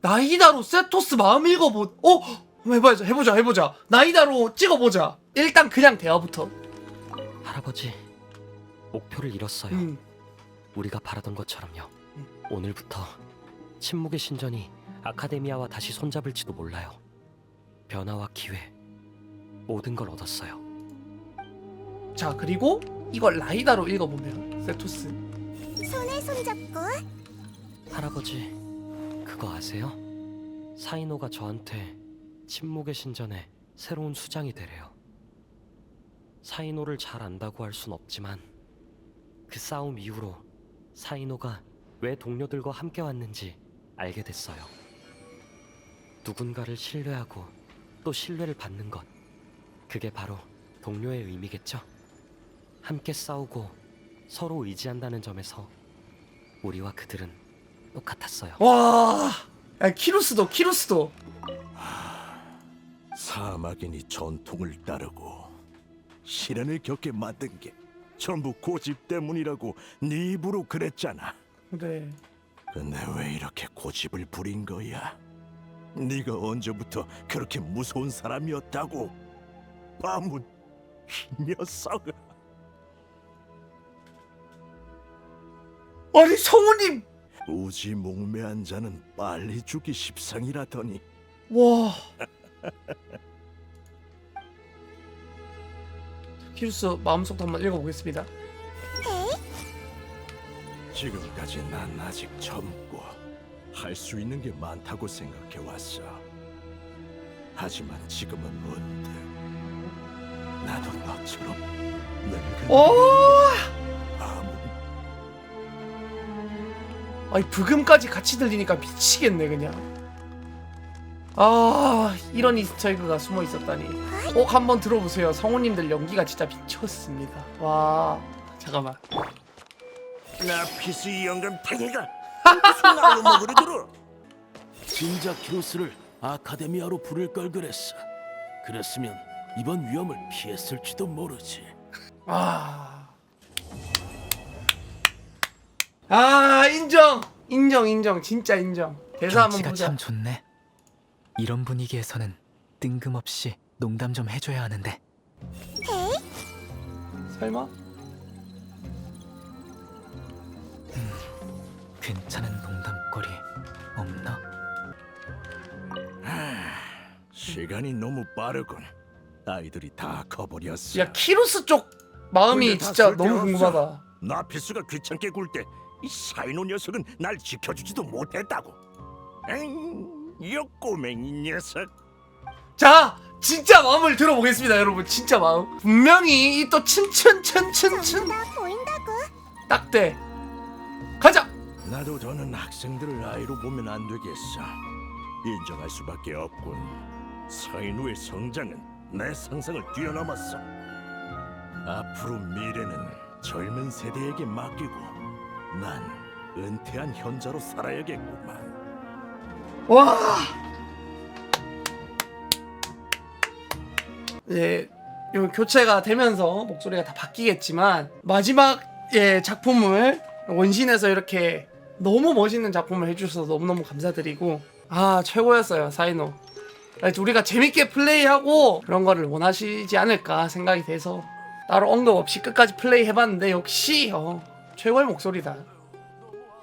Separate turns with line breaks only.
나이다로 세토스 마음 읽어보. 한번 해보자. 나이다로 찍어보자. 일단 그냥 대화부터.
할아버지, 목표를 이뤘어요. 우리가 바라던 것처럼요. 오늘부터 침묵의 신전이 아카데미아와 다시 손잡을지도 몰라요. 변화와 기회, 모든 걸 얻었어요.
자, 그리고 이걸 라이다로 읽어보면 세토스.
손에 손잡고.
할아버지, 그거 아세요? 사이노가 저한테 침묵의 신전에 새로운 수장이 되래요. 사이노를 잘 안다고 할 순 없지만 그 싸움 이후로 사이노가 왜 동료들과 함께 왔는지 알게 됐어요. 누군가를 신뢰하고 또 신뢰를 받는 것, 그게 바로 동료의 의미겠죠? 함께 싸우고 서로 의지한다는 점에서 우리와 그들은 똑같았어요.
와, 야, 키루스도.
사막인이 전통을 따르고 시련을 겪게 만든 게 전부 고집 때문이라고 네 입으로 그랬잖아.
그래.
근데 왜 이렇게 고집을 부린 거야? 네가 언제부터 그렇게 무서운 사람이었다고? 바문, 이 녀석아.
아니 성우님.
우지 목매한 자는 빨리 죽기 십상이라더니.
와. 키루스 마음속도 한번 읽어보겠습니다.
지금까지 난 아직 젊고 할 수 있는 게 많다고 생각해 왔어. 하지만 지금은 문득 나도 너처럼 늙은 바문.
아니 브금까지 같이 들리니까 미치겠네 그냥. 아, 이런 이스터에그가 숨어 있었다니. 꼭 한번 들어보세요. 성우님들 연기가 진짜 미쳤습니다. 와, 잠깐만.
나 피스 이 영감탱이가 무슨 날로 먹으려 들어?
진작 키로스를 아카데미아로 부를 걸 그랬어. 그랬으면 이번 위험을 피했을지도 모르지.
아, 인정. 진짜 인정. 대사 한번
경치가
보자.
참 좋네. 이런 분위기에서는 뜬금없이 농담 좀 해줘야 하는데.
설마?
괜찮은 농담거리 없나?
시간이 너무 빠르군. 아이들이 다 커버렸어.
야, 키루스 쪽 마음이
근데 다
진짜 너무
쓸데없어.
궁금하다.
나피스가 귀찮게 굴 때 이 사이노 녀석은 날 지켜주지도 못했다고. 에잉, 이 꼬맹이 녀석.
자, 진짜 마음을 들어보겠습니다, 여러분. 진짜 마음. 분명히 이 또 춘춘춘춘춘
나 보인다고.
딱대. 가자.
나도 더는 학생들을 아이로 보면 안 되겠어. 인정할 수밖에 없군. 사이노의 성장은 내 상상을 뛰어넘었어. 앞으로 미래는 젊은 세대에게 맡기고 난 은퇴한 현자로 살아야겠구만.
와. 예, 요 교체가 되면서 목소리가 다 바뀌겠지만 마지막 작품을 원신에서 이렇게 너무 멋있는 작품을 해주셔서 너무너무 감사드리고, 아, 최고였어요, 사이노. 우리가 재밌게 플레이하고 그런 거를 원하시지 않을까 생각이 돼서 따로 언급 없이 끝까지 플레이 해봤는데 역시 최고의 목소리다.